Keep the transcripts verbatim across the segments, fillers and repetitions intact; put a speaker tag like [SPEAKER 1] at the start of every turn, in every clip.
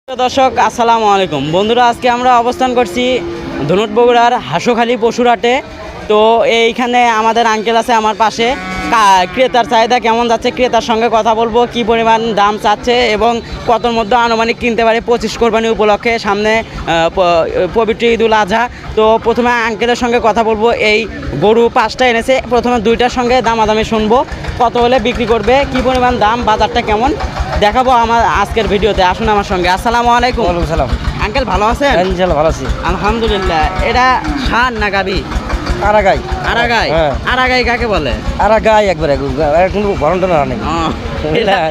[SPEAKER 1] দর্শক আসসালামু আলাইকুম বন্ধুরা, আজকে আমরা অবস্থান করছি ধনুট বগুড়ার হাঁসখালি পশুর হাটে। তো এইখানে আমাদের আঙ্কেল আছে আমার পাশে। ক্রেতার চাহিদা কেমন যাচ্ছে, ক্রেতার সঙ্গে কথা বলবো, কি পরিমাণ দাম চাচ্ছে এবং কতর মধ্যে আনুমানিক কিনতে পারে পঁচিশ কোরবানি উপলক্ষে, সামনে পবিত্র ঈদুল আজহা। তো প্রথমে আঙ্কেলের সঙ্গে কথা বলবো। এই গরু পাঁচটা এনেছে, প্রথমে দুইটার সঙ্গে দামাদামি শুনবো, কত হলে বিক্রি করবে, কি পরিমাণ দাম, বাজারটা কেমন দেখাবো আমার আজকের ভিডিওতে। আসুন আমার সঙ্গে। আসসালামু আলাইকুম।
[SPEAKER 2] ওয়ালাইকুম সালাম।
[SPEAKER 1] আঙ্কেল ভালো আছেন?
[SPEAKER 2] ইনশাআল্লাহ ভালো আছি
[SPEAKER 1] আলহামদুলিল্লাহ। এটা ষাঁড় না গাভী?
[SPEAKER 2] আরাগাই।
[SPEAKER 1] আরাগাই?
[SPEAKER 2] হ্যাঁ।
[SPEAKER 1] আরাগাই কাকে বলে?
[SPEAKER 2] আরাগাই একবারে কিন্তু ঘন্টা না নেই।
[SPEAKER 1] ও, এটা-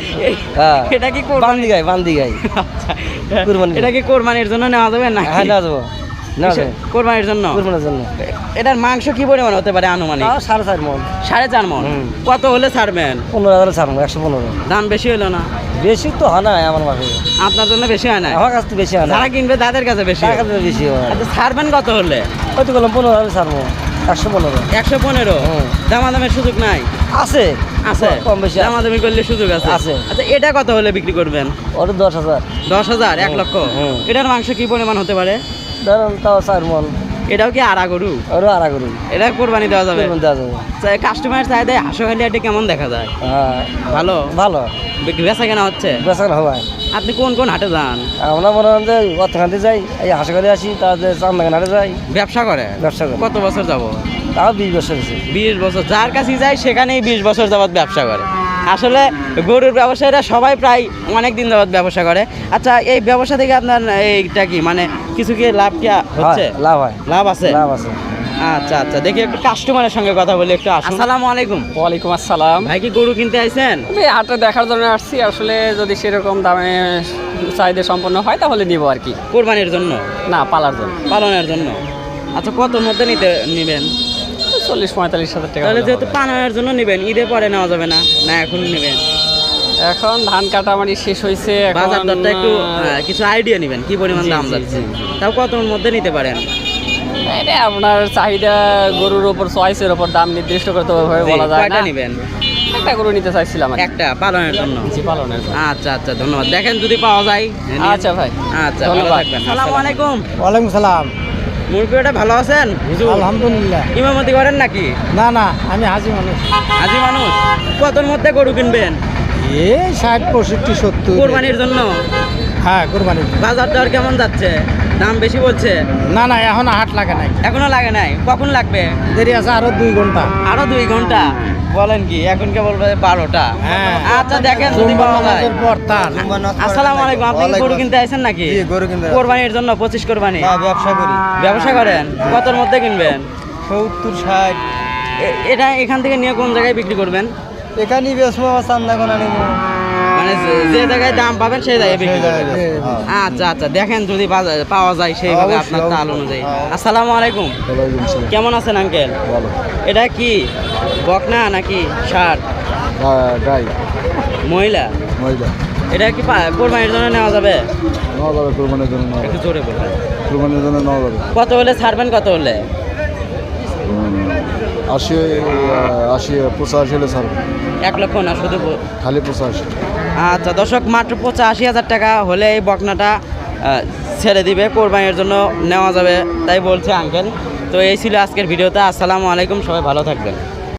[SPEAKER 1] এটা কি কোরবানি?
[SPEAKER 2] বান্দি গাই বান্দি গাই কুরবানি।
[SPEAKER 1] এটা কি কোরবানির জন্য নেওয়া যাবে না?
[SPEAKER 2] হ্যাঁ না যাবো না যাবো
[SPEAKER 1] কোরবানির জন্য।
[SPEAKER 2] কুরবানির জন্য
[SPEAKER 1] এটার মাংস কি পরিমাণ হতে পারে আনুমানিক?
[SPEAKER 2] তাও সাড়ে চার মন
[SPEAKER 1] সাড়ে চার মন।
[SPEAKER 2] হুম।
[SPEAKER 1] কত হলে ছাড়বেন?
[SPEAKER 2] পনেরো হাজার ছাড়বো, একশো পনেরো।
[SPEAKER 1] দাম বেশি হলো না?
[SPEAKER 2] বেশি তো হয় না আমার মাসে,
[SPEAKER 1] আপনার জন্য বেশি হয় না?
[SPEAKER 2] আমার কাছে তো বেশি হয় না,
[SPEAKER 1] যারা কিনবে তাদের কাছে বেশি হয়।
[SPEAKER 2] টাকা তো বেশি হয়।
[SPEAKER 1] আচ্ছা, ছাড়বেন কত হলে?
[SPEAKER 2] ওই তো বললাম পনেরো হাজার ছাড়বো, একশো পনেরো।
[SPEAKER 1] একশো পনেরো।
[SPEAKER 2] হুম।
[SPEAKER 1] দামাদামের সুযোগ নাই?
[SPEAKER 2] আছে
[SPEAKER 1] আছে,
[SPEAKER 2] কম বেশি আছে।
[SPEAKER 1] দামাদামি করলে সুযোগ আছে?
[SPEAKER 2] আছে।
[SPEAKER 1] আচ্ছা, এটা কত হলে বিক্রি করবেন?
[SPEAKER 2] ওটা দশ হাজার।
[SPEAKER 1] দশ হাজার? এক
[SPEAKER 2] হুম।
[SPEAKER 1] লক্ষ?
[SPEAKER 2] হুম।
[SPEAKER 1] এটার মাংস কি পরিমাণ হতে পারে?
[SPEAKER 2] ধরেন তাও চার মন।
[SPEAKER 1] এটাও কি আড়া গরু?
[SPEAKER 2] ওরও আড়া করুন,
[SPEAKER 1] এটা কোরবানি দেওয়া যাবে?
[SPEAKER 2] দেওয়া যাবে।
[SPEAKER 1] কাস্টমার চাহিদায় হাঁসখালি হাটে কেমন দেখা যায়?
[SPEAKER 2] হ্যাঁ
[SPEAKER 1] ভালো?
[SPEAKER 2] ভালো
[SPEAKER 1] বিক্রি বেচা কেনা হচ্ছে?
[SPEAKER 2] বেচা কেনা হয়।
[SPEAKER 1] আপনি কোন কোন হাটে যান?
[SPEAKER 2] আমরা মনে হয় যে অর্থখান্তি যাই, এই হাঁসখালি আসি, তাদের চান্দাগান হাটে যাই
[SPEAKER 1] ব্যবসা করে?
[SPEAKER 2] ব্যবসা করি।
[SPEAKER 1] কত বছর যাব?
[SPEAKER 2] তাও বিশ বছর হয়েছে।
[SPEAKER 1] বিশ বছর। যার কাছেই যায় সেখানেই বিশ বছর যাবৎ ব্যবসা করে। আসলে গরুর ব্যবসায়ীরা সবাই প্রায় অনেক দিন যাবৎ ব্যবসা করে। আচ্ছা, এই ব্যবসা থেকে আপনার এইটা কি মানে কিছু কি লাভ কি হচ্ছে?
[SPEAKER 2] হয়, লাভ হয়,
[SPEAKER 1] লাভ আছে?
[SPEAKER 2] লাভ আছে।
[SPEAKER 1] আচ্ছা আচ্ছা, দেখি একটু কাস্টমারের সঙ্গে কথা বলি একটু। আসসালামু আলাইকুম।
[SPEAKER 3] ওয়ালাইকুম আসসালাম।
[SPEAKER 1] ভাই কি গরু কিনতে আইছেন?
[SPEAKER 3] আমি হাটে দেখার জন্য আসছি, আসলে যদি সেরকম দামে চাহিদা সম্পন্ন হয় তাহলে নিব আর কি।
[SPEAKER 1] কোরবানির জন্য
[SPEAKER 3] না, পালার জন্য।
[SPEAKER 1] পালনের জন্য। আচ্ছা, কত মধ্যে নিতে নেবেন?
[SPEAKER 3] চল্লিশ পঁয়তাল্লিশ হাজার টাকা
[SPEAKER 1] তাহলে
[SPEAKER 3] হলে
[SPEAKER 1] যেহেতু
[SPEAKER 3] হবে।
[SPEAKER 1] পালনের জন্য নেবেন, ঈদে পরে নেওয়া যাবে না? না এখন নেবেন?
[SPEAKER 3] এখন ধান কাটামারি শেষ হয়েছে, এখন
[SPEAKER 1] বাজার দরটা একটু আহ, কিছু আইডিয়া নেবেন কি পরিমাণ
[SPEAKER 3] জি,
[SPEAKER 1] দাম
[SPEAKER 3] জি,
[SPEAKER 1] যাচ্ছে।
[SPEAKER 3] জি, জি।
[SPEAKER 1] তাও কত মধ্যে নিতে পারেন?
[SPEAKER 3] এটা আপনার চাহিদা গরুর ওপর চয়েসের ওপর দাম নির্দিষ্ট করতে হবে বলা যায়
[SPEAKER 1] কয়টা
[SPEAKER 3] না।
[SPEAKER 1] নেবেন?
[SPEAKER 3] একটা গরু নিতে চাইছিলাম আর কি।
[SPEAKER 1] একটা পালনের জন্য?
[SPEAKER 3] জি, পালনের জন্য।
[SPEAKER 1] আচ্ছা আচ্ছা, ধন্যবাদ। দেখেন যদি পাওয়া যায়।
[SPEAKER 3] আচ্ছা ভাই,
[SPEAKER 1] আচ্ছা, ভালো
[SPEAKER 3] ধন্যবাদ।
[SPEAKER 1] থাকবেন। আসসালামু আলাইকুম।
[SPEAKER 2] ওয়ালাইকুম সালাম।
[SPEAKER 1] মুরগিটা ভালো আছেন? হুজুর
[SPEAKER 2] আলহামদুলিল্লাহ।
[SPEAKER 1] ইমামতি করেন নাকি?
[SPEAKER 2] না না, আমি হাজি মানুষ।
[SPEAKER 1] হাজি মানুষ। কতর মধ্যে গরু কিনবেন?
[SPEAKER 2] এই ষাট পঁয়ষট্টি সত্তর।
[SPEAKER 1] কোরবানির জন্য?
[SPEAKER 2] হ্যাঁ কোরবানি।
[SPEAKER 1] বাজার দর কেমন যাচ্ছে? দাম বেশি বলছে?
[SPEAKER 2] না না, এখন হাট লাগে নাই,
[SPEAKER 1] এখনো লাগে নাই? কখন লাগবে?
[SPEAKER 2] দেরি আছে আরো দুই ঘন্টা।
[SPEAKER 1] আরো দুই ঘন্টা? বলেন কি, এখন কেবল বাজে বারোটা।
[SPEAKER 2] হ্যাঁ।
[SPEAKER 1] আচ্ছা, দেখেন যদি পাওয়া যায়।
[SPEAKER 2] পর তার
[SPEAKER 1] আসসালামু আলাইকুম। আপনি কি গরু কিনতে আইছেন নাকি?
[SPEAKER 2] গরু কিনতে
[SPEAKER 1] কোরবানির জন্য পঁচিশ কোরবানি?
[SPEAKER 2] ব্যবসা করি।
[SPEAKER 1] ব্যবসা করেন? কতর মধ্যে কিনবেন?
[SPEAKER 2] সত্তর ষাট।
[SPEAKER 1] এ- এটা এখান থেকে নিয়ে কোন জায়গায় বিক্রি করবেন?
[SPEAKER 2] এখানেই বেসমো, আমার চান্দা কোনা নেবো।
[SPEAKER 1] মানে যে- যে জায়গায় দাম পাবেন সেই জায়গায় বিক্রি করবেন? আচ্ছা আচ্ছা, দেখেন যদি বাজারে পাওয়া যায় সেইভাবে আপনার তাল অনুযায়ী। আসসালামু আলাইকুম। কেমন আছেন আঙ্কেল?
[SPEAKER 2] ভালো।
[SPEAKER 1] এটা কি বকনা নাকি ষাট?
[SPEAKER 2] গাই
[SPEAKER 1] মহিলা?
[SPEAKER 2] মহিলা
[SPEAKER 1] এটা কি পা- কোরবানির জন্য নেওয়া যাবে?
[SPEAKER 2] নেওয়া যাবে, কোরবানির জন্য নেওয়া
[SPEAKER 1] একটু
[SPEAKER 2] যাবে,
[SPEAKER 1] জোরে বলবেন।
[SPEAKER 2] কোরবানির জন্য নেওয়া যাবে।
[SPEAKER 1] কত হলে ছাড়বেন? কত হলে?
[SPEAKER 2] আশি আশি পঁচাশি হলে ছাড়বে,
[SPEAKER 1] এক লক্ষ না শুধু ব-
[SPEAKER 2] খালি পঁচাশি।
[SPEAKER 1] আচ্ছা দর্শক, মাত্র পঁচাশি হাজার টাকা হলে এই বকনাটা আহ, ছেড়ে দিবে, কোরবানির জন্য নেওয়া যাবে তাই বলছে আঙ্কেল। তো এই ছিল আজকের ভিডিওতে। আসসালামু আলাইকুম, সবাই ভালো থাকবেন।